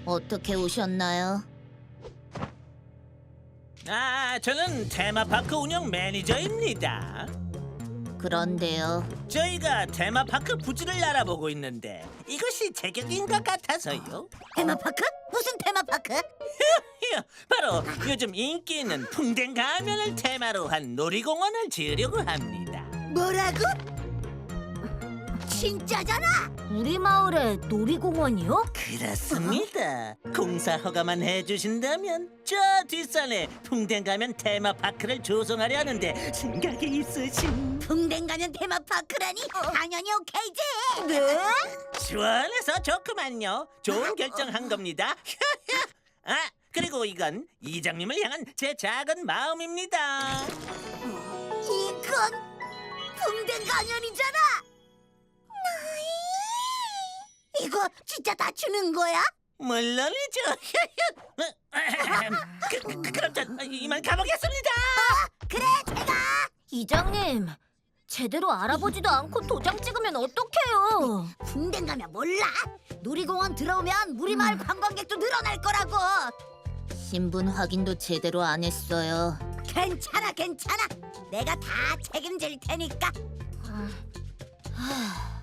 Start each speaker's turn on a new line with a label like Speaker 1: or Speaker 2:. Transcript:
Speaker 1: 어떻게 오셨나요?
Speaker 2: 저는 테마파크 운영 매니저입니다.
Speaker 1: 그런데요.
Speaker 2: 저희가 테마파크 부지를 알아보고 있는데 이것이 제격인 것 같아서요.
Speaker 1: 테마파크? 무슨 테마파크?
Speaker 2: 바로 요즘 인기 있는 풍뎅 가면을 테마로 한 놀이공원을 지으려고 합니다.
Speaker 1: 뭐라고? 진짜잖아! 우리 마을에 놀이공원이요?
Speaker 2: 그렇습니다. 공사 허가만 해주신다면 저 뒷산에 풍뎅 가면 테마파크를 조성하려 하는데 생각이 있으신...
Speaker 1: 풍뎅 가면 테마파크라니? 당연히 오케이지! 네?
Speaker 2: 시원해서 좋구만요. 좋은 결정한 겁니다. 그리고 이건 이장님을 향한 제 작은 마음입니다.
Speaker 1: 이건 풍뎅 가면이잖아! 이거 진짜 다 주는 거야?
Speaker 2: 물론이죠. 그럼 전 이만 가보겠습니다.
Speaker 1: 그래, 제가! 이장님, 제대로 알아보지도 않고 도장 찍으면 어떡해요? 풍뎅 가면 몰라? 놀이공원 들어오면 우리 마을 관광객도 늘어날 거라고! 신분 확인도 제대로 안 했어요. 괜찮아. 내가 다 책임질 테니까.